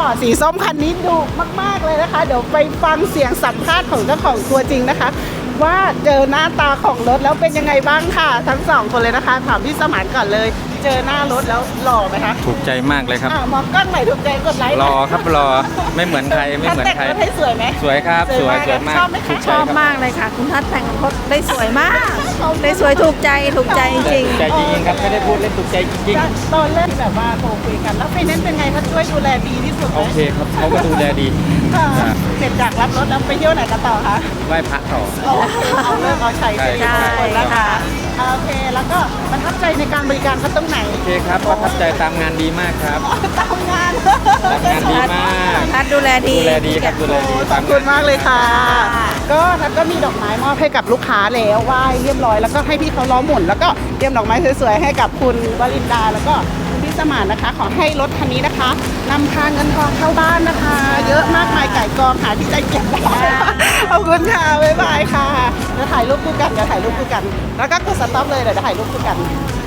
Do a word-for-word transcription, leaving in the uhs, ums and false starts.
ปอร์ตสีส้มคันนี้ดุมากๆเลยนะคะเดี๋ยวไปฟังเสียงสัมภาษณ์ของเจ้าของตัวจริงนะคะว่าเจอหน้าตาของรถแล้วเป็นยังไงบ้างค่ะทั้งสองคนเลยนะคะถามพี่สมานก่อนเลยเจอหน้ารถแล้วหล่อไหมคะถูกใจมากเลยครับอ่ะมองกล้องใหม่ถูกใจกดไลค์รอครับรอไม่เหมือนใครไม่เหมือนใครแต่งรถให้สวยไหมสวยครับสวยสวยมากชอบไหมถูคะกชใจอบครับมากเลยค่ะ คุณทัศน์แต่งรถได้สวยมากได้สวยถูกใจถูกใจจริงถูกใจจริงๆครับไม่ได้พูดเล่นถูกใจจริงตอนแรกที่แบบว่าโทรคุยกันแล้วไฟแนนซ์เป็นไงเขาช่วยดูแลดีที่สุดๆไหมโอเคครับเขาก็ดูแลดีค่ะครับเสร็จจากรับรถแล้วไปเที่ยวไหนกันต่อคะไหว้พระต่อโอเคเอาเลิกเอาใช้ใช่ใช่ใช่คนละค่ะโอเคแล้วก็ประทับใจในการบริการเขาตรงไหนโอเคครับประทับใจตามงานดีมากครับตามงานตามงานดีมากทัศน์ดูแลดีดูแลดีครับดูแลดีขอบคุณมากเลยค่ะ ก็ทัดก็มีดอกไม้มอบให้กับลูกค้าแล้วไหว้เรียบร้อยแล้วก็ให้พี่เขาล้อหมุนแล้วก็เตรียมดอกไม้สวยๆให้กับคุณวรินดาแล้วก็คุณพี่สมานนะคะ ขอให้รถคันนี้นะคะนำพาเงินทองเข้าบ้านนะคะ เยอะมากมายไก่กองหาที่ใจเก็บได้ขอบคุณค่ะบ๊ายบายค่ะเดี๋ยวถ่ายรูปคู่กันเดี๋ยวถ่ายรูปคู่กัน แล้วก็กดสต็อปเลยเดี๋ยวถ่ายรูปคู่กัน